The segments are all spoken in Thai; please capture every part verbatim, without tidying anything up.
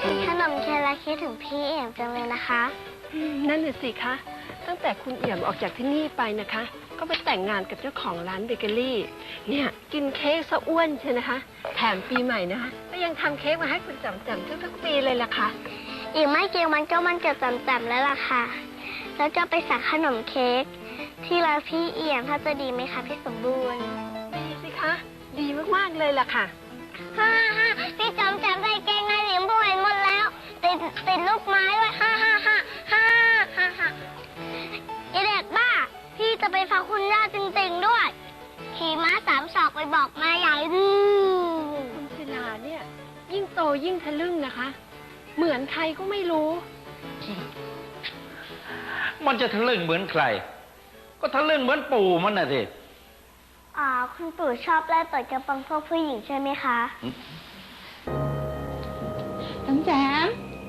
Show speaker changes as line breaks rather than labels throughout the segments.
ขนมเค้กและคิดถึงพี่เอี่ยมจังเลยนะคะ
นั่นน่ะสิคะตั้งแต่คุณเอี่ยมออกจากที่นี่ไปนะคะ ก็ไปแต่งงานกับเจ้าของร้านเบเกอรี่เนี่ยกินเค้กซะอ้วนใช่นะคะแถมปีใหม่นะคะก็ยังทำเค้กมาให้คุณจำจำทุกๆปีเลยล่ะค่ะ
อีกไม่กี่วันก็มันเกิดจำจำแล้วล่ะค่ะแล้วจะไปสั่งขนมเค้กที่ร้านพี่เอี่ยมถ้าจะดีไหมคะพี่สมบูรณ์
ดีสิคะดีมากๆเลยล่ะค่ะ
ฮ่าฮ่าพี่จำจำใส่เกงในหลิมผู้เห็นหมดแล้วติดติดลูกไม้ด้วยฮ่าฮ่าฮ่าฮ่าฮ่าฮ่าไอเด็กบ้าพี่จะไปฟังคุณย่าจริงๆด้วยขี่ม้าสามศอกไปบอกมาใหญ่ดื้อ
คุณศิลาเนี่ยยิ่งโตยิ่งทะลึ่งนะคะเหมือนใครก็ไม่รู้
มันจะทะลึ่งเหมือนใครก็ทะลึ่งเหมือนปู่มันน่ะสิ
อ๋อคุณปู่ชอบไล่ต่อยกระปังพวกผู้หญิงใช่ไหมคะ
จำแจม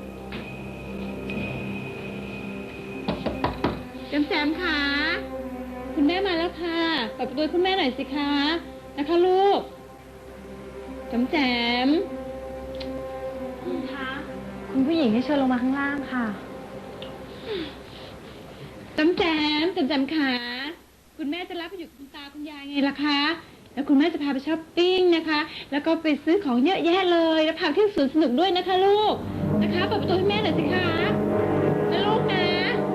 จำแจมค่ะคุณแม่มาแล้วค่ะเปิดประตูคุณแม่หน่อยสิคะนะคะลูกจำแจม
คุณคะ
คุณผู้หญิงให้เชิญลงมาข้างล่างค่ะจำแจมจำแจมค่ะคุณแม่จะรับไปอยู่กับคุณตาคุณยายไงล่ะคะแล้วคุณแม่จะพาไปช้อปปิ้งนะคะแล้วก็ไปซื้อของเยอะแยะเลยแล้วพาเที่ยวสวนสนุกด้วยนะคะลูกนะคะเปิดประตูให้แม่หน่อยสิคะนะลูกนะ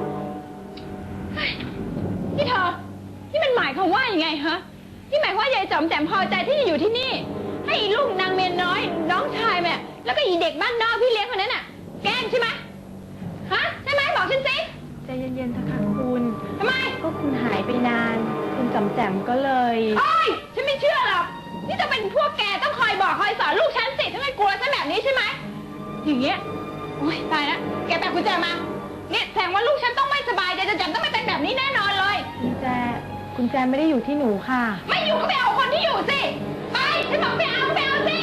นี่เธอนี่มันหมายความว่ายังไงฮะนี่หมายความว่ายายจอมแจมพอใจที่จะอยู่ที่นี่ให้อีลูกนางเมียน้อยน้องชายแม่แล้วก็อีเด็กบ้านนอกพี่เลี้ยงคนนั้นน่ะแกล้งใช่ไหมฮะใช่ไหมบอกฉันสิ
ใจเย็นๆเถอะค่ะคุณ
ทำไม
ก็คุณหายไปนานคุณจำแจมก็เลย
โอ๊ยฉันไม่เชื่อหรอกนี่จะเป็นพวกแกต้องคอยบอกคอยสอนลูกฉันสิฉันไม่กลัวฉันแบบนี้ใช่ไหมอย่างเงี้ยโอ๊ยตายแล้วแกแบกกุญแจมาเนี่ยแสดงว่าลูกฉันต้องไม่สบายใจจะจำต้องไม่เป็นแบบนี้แน่นอนเลย
กุญแจกุญแจไม่ได้อยู่ที่หนูค่ะ
ไม่อยู่ก็ไปเอาคนที่อยู่สิไปฉันบอกไปเอาไปเอาสิ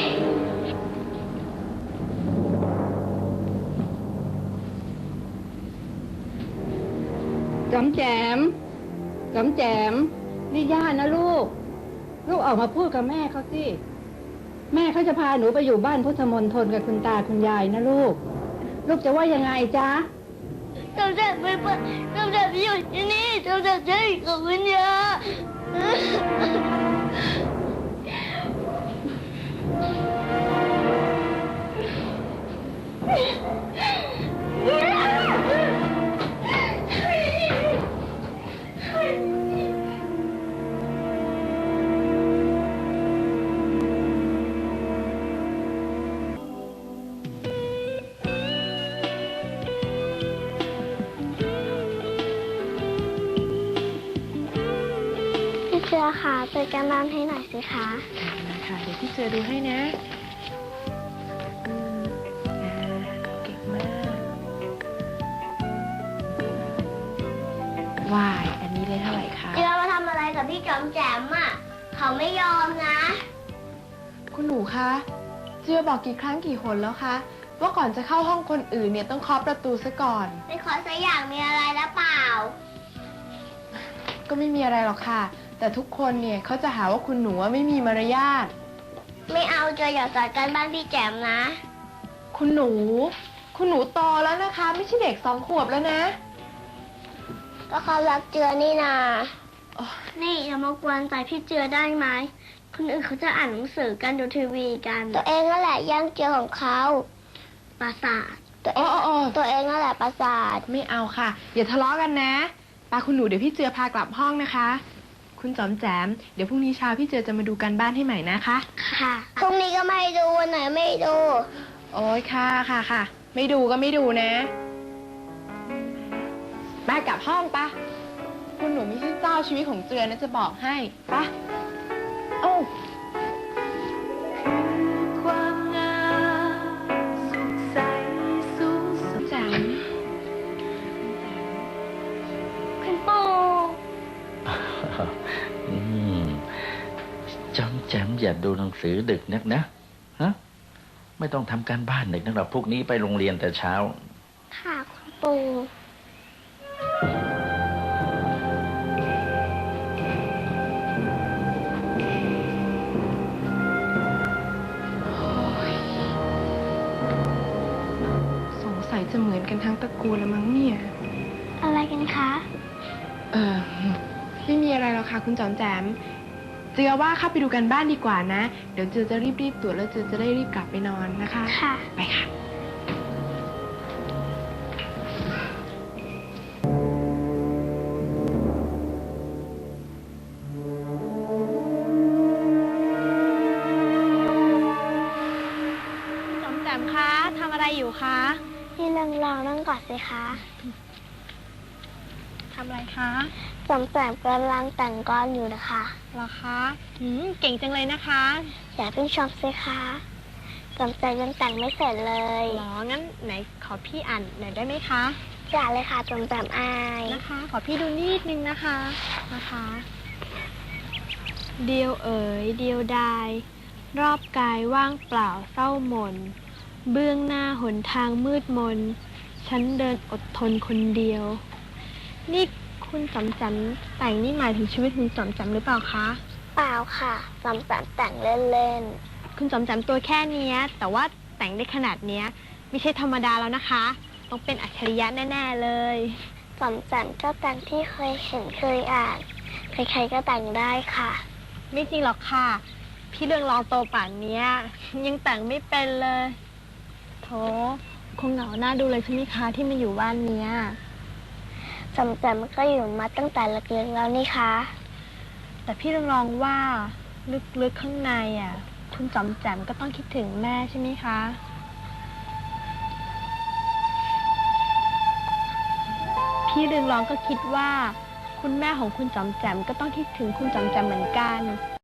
จำแจมจำแจมนี่ย่านะลูกลูกออกมาพูดกับแม่เขาสิแม่เขาจะพาหนูไปอยู่บ้านพุทธมณฑลกับคุณตาคุณยายนะลูกลูกจะว่ายังไงจ๊ะ
จำแจมไม่ไปจำแจมอยู่ที่นี่จำแจมจะอยู่กับคุณย่าเสือค่ะเปิดการบ้านให้หน่อยสิคะ
ค่ะเดี๋ยวพี่เสือดูให้นะอืมอ่าเก่งมากวายอันนี้ได้เท่าไหร่คะ
เสือมาทำอะไรกับพี่จอมแจมอ่ะเขาไม่ยอมนะ
คุณหนูคะเจือบอกกี่ครั้งกี่หนแล้วคะว่าก่อนจะเข้าห้องคนอื่นเนี่ยต้องเคาะประตูซะก่อน
ไม่ขอสักอย่างมีอะไรหรือเปล่า
ก็ไม่มีอะไรหรอกค่ะแต่ทุกคนเนี่ยเขาจะหาว่าคุณหนูไม่มีมารยาท
ไม่เอาเจออย่าสอนกันบ้านพี่แจมนะ
คุณหนูคุณหนูโตแล้วนะคะไม่ใช่เด็กสองขวบแล้วนะ
ก็เขารักเจือนี่นานี่อย่ามากวนใจพี่เจือได้ไหมคนอื่นเขาจะอ่านหนังสือกันดูทีวีกันตัวเองนั่นแหละย่างเจือของเขาประสาทตัวเองตัวเองนั่นแหละประสาท
ไม่เอาค่ะอย่าทะเลาะกันนะปาคุณหนูเดี๋ยวพี่เจือพากลับห้องนะคะคุณจอมแจมเดี๋ยวพรุ่งนี้เช้าพี่เจือจะมาดูการบ้านให้ใหม่นะคะ
ค่ะพรุ่งนี้ก็ไม่ดูวันไหนไม่ดู
โอ๊ยค่ะค่ะค่ะไม่ดูก็ไม่ดูนะมากลับห้องปะคุณหนูไม่ใช่เจ้าชีวิตของเจือนะจะบอกให้ปะโอ้ความงามสุขใสสูงสุดแจม
คุณปู่
จำแจมอย่าดูหนังสือดึกนักนะฮะไม่ต้องทำการบ้านดึกนักหรอกพวกนี้ไปโรงเรียนแต่เช้า
ค่ะคุณปู่
สัยจะเหมือนกันทั้งตระกูลละมั้งเนี่ย
อะไรกันคะ
เออไม่มีอะไรหรอกค่ะคุณจอมแจมเจือว่าเข้าไปดูกันบ้านดีกว่านะ เดี๋ยวเจือจะรีบๆตรวจแล้วเจือจะได้รีบกลับไปนอนนะคะ
ค่ะ
ไปค่ะ
จอมแจมคะทำอะไรอยู่คะ
นี่ลองลองนั่งก่อนสิคะ
ทำอะไรคะ
จำแจมกำลังแต่งกลอนอยู่นะคะ
เหรอคะหืมเก่งจังเลยนะคะ
อย่าเพิ่งชมสิคะจำแจมยังแต่งไม่เสร็จเลย
เหรอ งั้นไหนขอพี่อ่านหน่อยได้ไหมคะ
อย่าเลยค่ะจำแจมอาย
นะคะ ขอพี่ดูนิดนึงนะคะ นะคะ เดียวเอ๋ยเดียวดาย รอบกายว่างเปล่าเศร้าหม่น เบื้องหน้าหนทางมืดมน ฉันเดินอดทนคนเดียว นี่คุณจำจำแต่งนี่หมายถึงชีวิตคุณจำจำหรือเปล่าคะ
เปล่าค่ะจำแจมแต่งเล่น
คุณจำจำตัวแค่เนี้ย แต่ว่าแต่งได้ขนาดเนี้ย ไม่ใช่ธรรมดาแล้วนะคะ ต้องเป็นอัจฉริยะแน่ๆเลย
ๆจำแจมก็แต่งที่เคยเห็นเคยอ่าน ใครๆก็แต่งได้ค่ะ
ไม่จริงหรอกค่ะ พี่เรื่องรองโตป่านเนี้ย ยังแต่งไม่เป็นเลยโถคงเหงาหน้าดูเลยใช่ไหมคะที่มาอยู่บ้านเนี้ย
จำแจมก็อยู่มาตั้งแต่เล็กๆแล้วนี่คะ
แต่พี่เรื่องรองว่าลึกๆข้างในอ่ะ คุณจอมแจมก็ต้องคิดถึงแม่ใช่ไหมคะ พี่เรืองรองก็คิดว่า คุณแม่ของคุณจอมแจมก็ต้องคิดถึงคุณจอมแจมเหมือนกัน